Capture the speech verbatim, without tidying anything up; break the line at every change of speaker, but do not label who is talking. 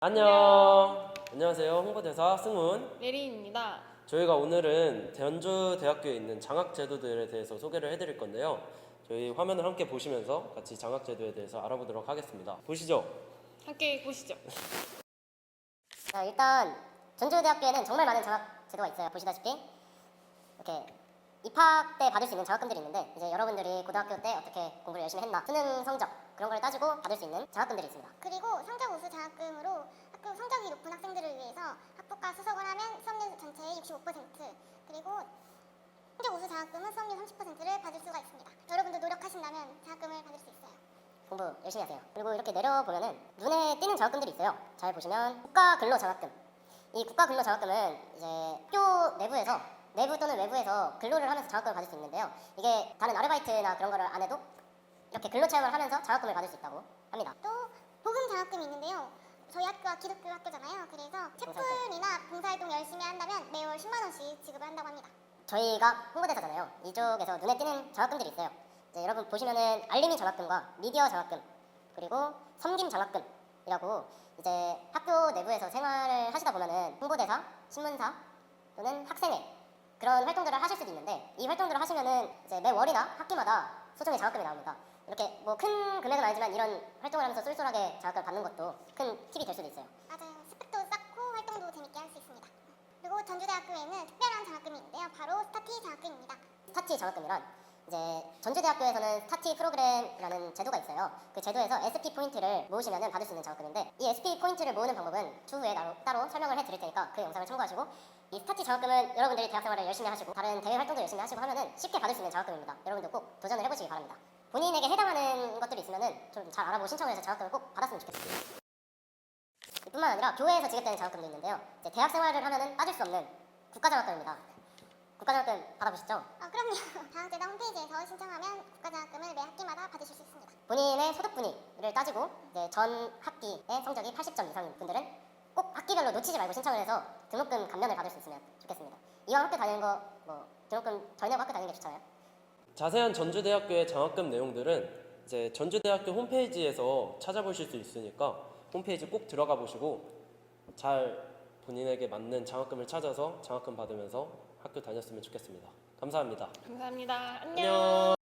안녕. 안녕하세요. 홍보대사 승훈.
예린입니다.
저희가 오늘은 전주대학교에 있는 장학제도들에 대해서 소개를 해드릴 건데요. 저희 화면을 함께 보시면서 같이 장학제도에 대해서 알아보도록 하겠습니다. 보시죠.
함께 보시죠.
자, 일단 전주대학교에는 정말 많은 장학제도가 있어요. 보시다시피 이렇게 입학 때 받을 수 있는 장학금들이 있는데, 이제 여러분들이 고등학교 때 어떻게 공부를 열심히 했나, 수능 성적 그런 걸 따지고 받을 수 있는 장학금들이 있습니다.
그리고 성적 우수 장학금으로 학교 성적이 높은 학생들을 위해서 학부가 수석을 하면 수업료 전체의 육십오 퍼센트, 그리고 성적 우수 장학금은 수업료 삼십 퍼센트를 받을 수가 있습니다. 여러분도 노력하신다면 장학금을 받을 수 있어요.
공부 열심히 하세요. 그리고 이렇게 내려보면은 눈에 띄는 장학금들이 있어요. 잘 보시면 국가 근로 장학금. 이 국가 근로 장학금은 이제 학교 내부에서 내부 또는 외부에서 근로를 하면서 장학금을 받을 수 있는데요. 이게 다른 아르바이트나 그런 거를 안 해도 이렇게 근로 체험을 하면서 장학금을 받을 수 있다고 합니다.
또 복음 장학금이 있는데요. 저희 학교가 기독교 학교잖아요. 그래서 채플이나 봉사활동 열심히 한다면 매월 십만 원씩 지급을 한다고 합니다.
저희가 홍보대사잖아요. 이쪽에서 눈에 띄는 장학금들이 있어요. 이제 여러분 보시면은 알림이 장학금과 미디어 장학금, 그리고 섬김 장학금이라고, 이제 학교 내부에서 생활을 하시다 보면은 홍보대사, 신문사 또는 학생회 그런 활동들을 하실 수도 있는데, 이 활동들을 하시면은 이제 매 월이나 학기마다 소정의 장학금이 나옵니다. 이렇게 뭐 큰 금액은 아니지만 이런 활동을 하면서 쏠쏠하게 장학금을 받는 것도 큰 팁이 될 수도 있어요.
맞아요. 스펙도 쌓고 활동도 재밌게 할 수 있습니다. 그리고 전주대학교에는 특별한 장학금이 있는데요. 바로 스타티 장학금입니다.
스타티 장학금이란, 이제 전주대학교에서는 스타티 프로그램이라는 제도가 있어요. 그 제도에서 에스피 포인트를 모으시면 받을 수 있는 장학금인데, 이 에스피 포인트를 모으는 방법은 추후에 따로, 따로 설명을 해드릴 테니까 그 영상을 참고하시고, 이 스타티 장학금은 여러분들이 대학생활을 열심히 하시고 다른 대외 활동도 열심히 하시고 하면은 쉽게 받을 수 있는 장학금입니다. 여러분들 꼭 도전을 해보시기 바랍니다. 본인에게 해당하는 것들이 있으면은 좀 잘 알아보고 신청을 해서 장학금을 꼭 받았으면 좋겠습니다. 뿐만 아니라 교회에서 지급되는 장학금도 있는데요. 이제 대학생활을 하면은 빠질 수 없는 국가장학금입니다. 국가장학금 받아보시죠.
아, 그럼요. 장학제도 홈페이지에서 신청하면 국가장학금을 매 학기마다 받으실 수 있습니다.
본인의 소득 분위를 따지고 이제 전 학기의 성적이 팔십 점 이상인 분들은 꼭 학기별로 놓치지 말고 신청을 해서 등록금 감면을 받을 수 있으면 좋겠습니다. 이왕 학교 다니는 거 뭐 등록금 덜 내고 학교 다니는 게 좋잖아요.
자세한 전주대학교의 장학금 내용들은 이제 전주대학교 홈페이지에서 찾아보실 수 있으니까 홈페이지 꼭 들어가 보시고 잘 본인에게 맞는 장학금을 찾아서 장학금 받으면서 학교 다녔으면 좋겠습니다. 감사합니다.
감사합니다. 안녕.
안녕.